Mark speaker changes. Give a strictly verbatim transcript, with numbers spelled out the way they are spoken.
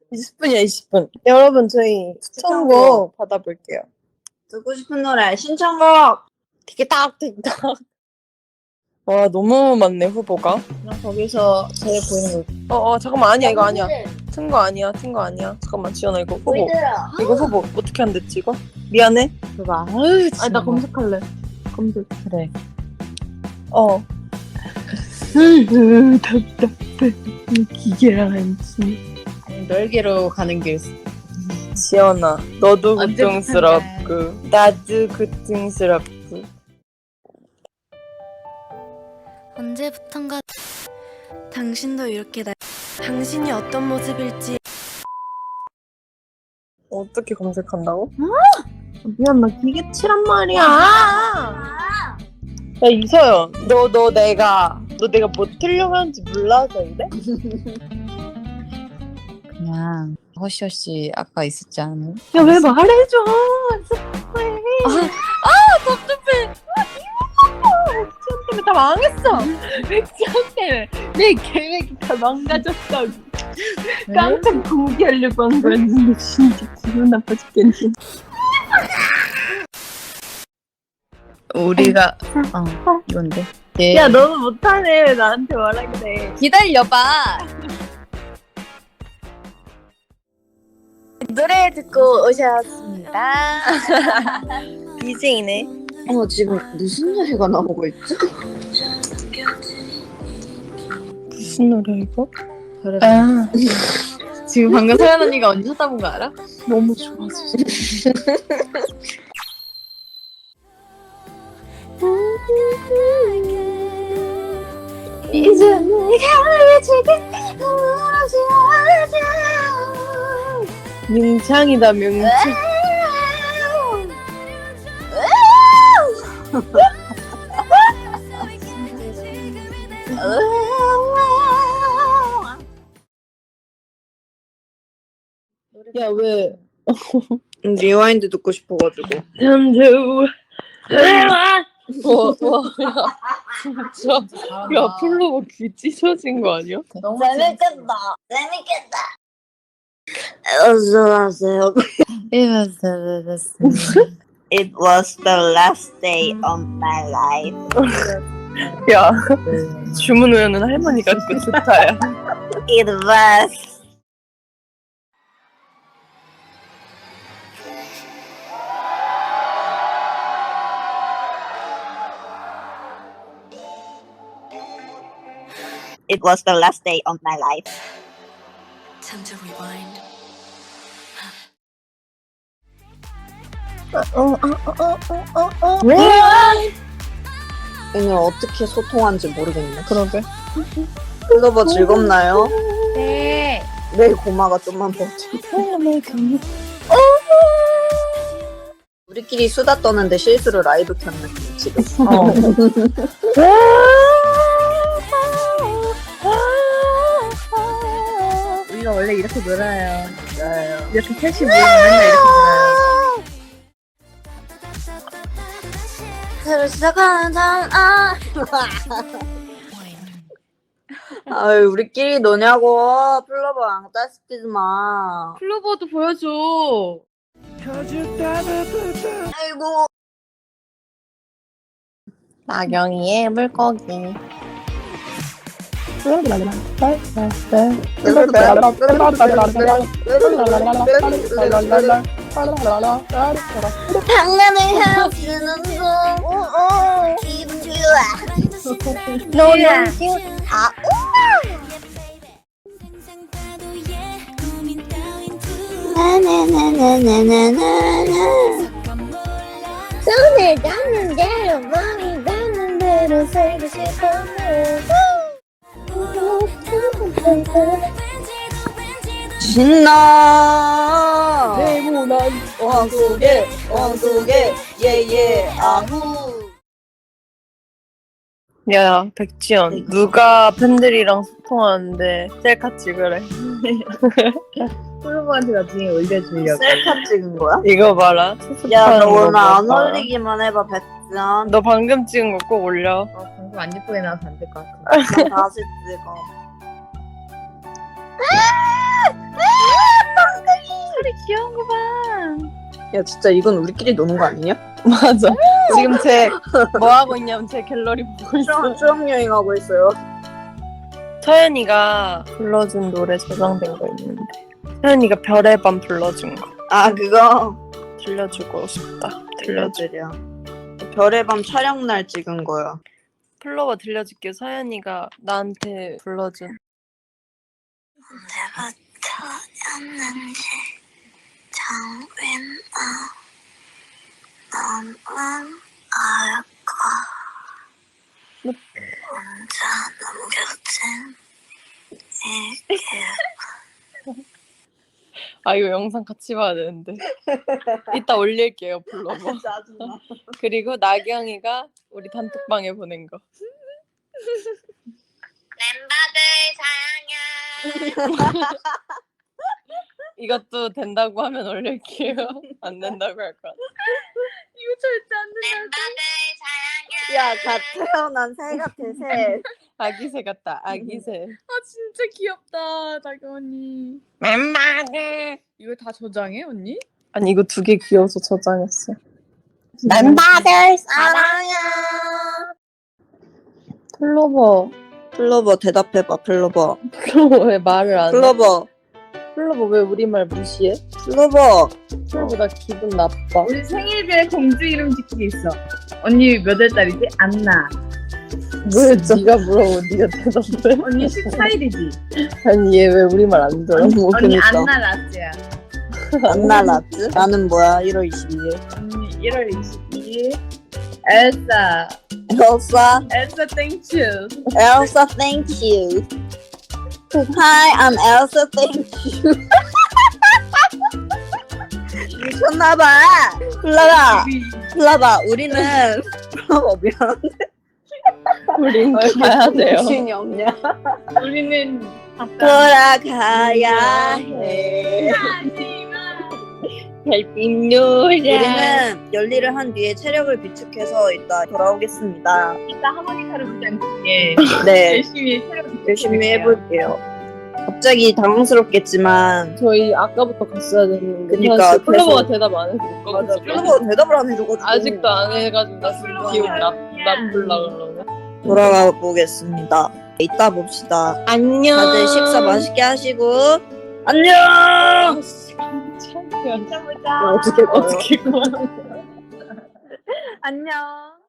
Speaker 1: 이십 분이야 이십 분. 여러분 저희 추천곡 받아볼게요.
Speaker 2: 듣고 싶은 노래 신청곡.
Speaker 1: 틱탁 틱탁. 와 너무 많네 후보가.
Speaker 2: 그냥 거기서 제일 보이는 거.
Speaker 1: 어어 잠깐만 아니야 이거 아니야. 튼 거 아니야 튼 거 아니야. 잠깐만 지연아 이거 후보. 이거 후보 어떻게 안 됐지 이거? 미안해.
Speaker 2: 그거 아유
Speaker 1: 아니 나 검색할래. 검색.
Speaker 2: 그래.
Speaker 1: 어. 답답해. 기계랑 한지.
Speaker 2: 넓게로 가는 길.
Speaker 1: 지연아 너도
Speaker 2: 언제부턴가.
Speaker 1: 고통스럽고 나도 고통스럽고.
Speaker 3: 언제부턴가 당신도 이렇게 나 당신이 어떤 모습일지
Speaker 1: 어떻게 검색한다고? 미안 나 기계 칠한 말이야. 야 이서연 너 너 내가 너 내가 뭐 틀려고 하는지 몰라서 이래?
Speaker 2: 그냥 허쉬허쉬 아까 있었지 않아?
Speaker 1: 야 왜 말해줘.
Speaker 2: 아
Speaker 1: 답답해. 백지연 때문에 다 망했어. 백지연 때문에 내 계획이 다 망가졌어. 깜짝 공개하려고 한 거였는데 진짜 기분 나빠 죽겠네.
Speaker 2: 우리가 어 이건데. 예.
Speaker 1: 야 너무 못하네. 왜 나한테 뭐라 그래.
Speaker 2: 기다려봐.
Speaker 3: 노래 듣고 오셨습니다.
Speaker 1: 비제이네.
Speaker 2: 어 지금 무슨 노래가 나오고 있지?
Speaker 1: 무슨 노래 이거?
Speaker 2: 그래.
Speaker 1: 아
Speaker 2: 지금 방금 서연 언니가 언제 찾아본 거 알아?
Speaker 1: 너무 좋아서.
Speaker 3: 이제 내가 지금 울어지
Speaker 1: 명창이다 명창. 야 왜?
Speaker 2: 리와인드 듣고 싶어가지고.
Speaker 1: 현주. 와, 와, 야, 진짜. 야, 플로버 귀 찢어진 거 아니야?
Speaker 2: 너무
Speaker 3: 재밌겠다. 재밌겠다. 어서오세요.
Speaker 2: It was the last day of my life.
Speaker 1: 야, 주문 외우는 할머니 같고 좋다, 야.
Speaker 2: It was. It was the last day of my life.
Speaker 3: Time to rewind.
Speaker 2: 오늘 어떻게 소통한지 모르겠네.
Speaker 1: 그러게.
Speaker 2: 플로버 즐겁나요?
Speaker 3: 네.
Speaker 2: 내 고마가 좀만 버텨. 우리끼리 수다 떠는데 실수로 라이브 켰네 지금.
Speaker 1: 어.
Speaker 2: 우리가 원래 이렇게 놀아요. 놀아요.
Speaker 1: 이렇게 셋이 모이면 맨날 이렇게 놀아요.
Speaker 3: 새로 시작하는 아.
Speaker 2: 아유 우리끼리 노냐고. 플로버랑 짜증내지 마.
Speaker 1: 플로버도 보여줘.
Speaker 2: 아이고.
Speaker 1: 나경이의 물고기.
Speaker 3: 장난을 해주는 거. 기분 좋아.
Speaker 1: 너야.
Speaker 3: 아, 나나나나나나나나. 손을 닿는 대로 마음이 닿는 대로 살고 싶었네.
Speaker 2: 신나.
Speaker 1: 네모난
Speaker 2: 왕국에 왕국에 예예 아후.
Speaker 1: 야 백지연 누가 팬들이랑 소통하는데 셀카 찍으래.
Speaker 2: 플로버한테 나중에 올려주려고. 셀카 찍은 거야?
Speaker 1: 이거 봐라.
Speaker 2: 야 너
Speaker 1: 거
Speaker 2: 오늘 안
Speaker 1: 봐라.
Speaker 2: 올리기만 해봐 백지연.
Speaker 1: 너 방금 찍은 거 꼭 올려.
Speaker 2: 어, 방금 안 예쁘게 나와서 안 될 것 같아. 나 다시 찍어. 야 진짜 이건 우리끼리 노는 거 아니냐?
Speaker 1: 맞아. 지금 제 뭐 하고 있냐면 제 갤러리 보고 있어.
Speaker 2: 수영 여행하고 있어요.
Speaker 1: 서연이가 불러준 노래 저장된 거 있는데 서연이가 별의 밤 불러준 거
Speaker 2: 아 그거
Speaker 1: 들려주고 싶다. 들려줘.
Speaker 2: 들려드려. 별의 밤 촬영 날 찍은 거야.
Speaker 1: 플로버 들려줄게. 서연이가 나한테 불러준.
Speaker 4: 언제부터였는지 정윈아 너무 알까 혼자 남겨진 이 기억
Speaker 1: 아 이거 영상 같이 봐야 되는데. 이따 올릴게요 플로버.
Speaker 2: 짜증나.
Speaker 1: 그리고 나경이가 우리 단톡방에 보낸 거.
Speaker 4: 멤버들 사랑해
Speaker 1: 이것도 된다고 하면 올릴게요. 안 된다고 할 거야. 이거 절대 안 된다.
Speaker 4: 멤버들 사랑해
Speaker 2: 야, 갓 태어난 새 같아, 새.
Speaker 1: 아기새 같다. 아기새.
Speaker 5: 아 진짜 귀엽다 나경 언니.
Speaker 1: 멤버들.
Speaker 5: 이거 다 저장해 언니?
Speaker 1: 아니 이거 두 개 귀여워서 저장했어.
Speaker 2: 멤버들 사랑해.
Speaker 1: 플로버.
Speaker 2: 플로버 대답해봐, 플로버.
Speaker 1: 플로버 왜 말을 안 해?
Speaker 2: 플로버,
Speaker 1: 플로버 왜 우리 말 무시해?
Speaker 2: 플로버.
Speaker 1: 플로버 나 기분 나빠.
Speaker 5: 우리 생일별 공주 이름 짓기 있어. 언니 몇 월 달이지? 안나.
Speaker 1: 왜 네가 물어보 네가 대답해?
Speaker 5: 언니 십사 일이지?
Speaker 1: 아니 얘 왜 우리 말 안 들어? 뭐
Speaker 5: 언니
Speaker 2: 그니까.
Speaker 5: 안나 라츠야.
Speaker 2: 안나 라츠? 나는 뭐야, 일월 이십이일.
Speaker 5: 언니 일월 이십이일. 엘사.
Speaker 2: 엘사,
Speaker 5: 엘사 땡큐.
Speaker 2: 엘사, thank you. Hi, I'm Elsa, thank you. 미쳤나봐. 플라바, 플라바, 우리는 플라바 미안.
Speaker 1: 우린 가야 돼요.
Speaker 2: 정신이 없냐?
Speaker 5: 우리는
Speaker 2: 돌아가야 해.
Speaker 1: 별빛 노래.
Speaker 2: 우리는 열일을 한 뒤에 체력을 비축해서 이따 돌아오겠습니다.
Speaker 5: 이따 하모니카를 부지 않게
Speaker 2: 네,
Speaker 5: 열심히 새로
Speaker 2: 열심히 해볼게요. 갑자기 당황스럽겠지만
Speaker 1: 저희 아까부터 갔어야 됐는데
Speaker 2: 그니까,
Speaker 1: 사실 플로버가
Speaker 2: 계속-
Speaker 1: 대답 안 해서 못 가고
Speaker 2: 맞아,
Speaker 1: 있어.
Speaker 2: 플로버가 대답을 안 해줘가지고
Speaker 1: 아직도 안 해가지고 나 지금 기분 나, 나쁠라 그러네.
Speaker 2: 돌아가 보겠습니다. 이따 봅시다.
Speaker 1: 안녕.
Speaker 2: 다들 식사 맛있게 하시고 안녕.
Speaker 1: 깜짝이야.
Speaker 5: 보자.
Speaker 2: 어떻게
Speaker 1: 어떻게 가?
Speaker 5: 안녕.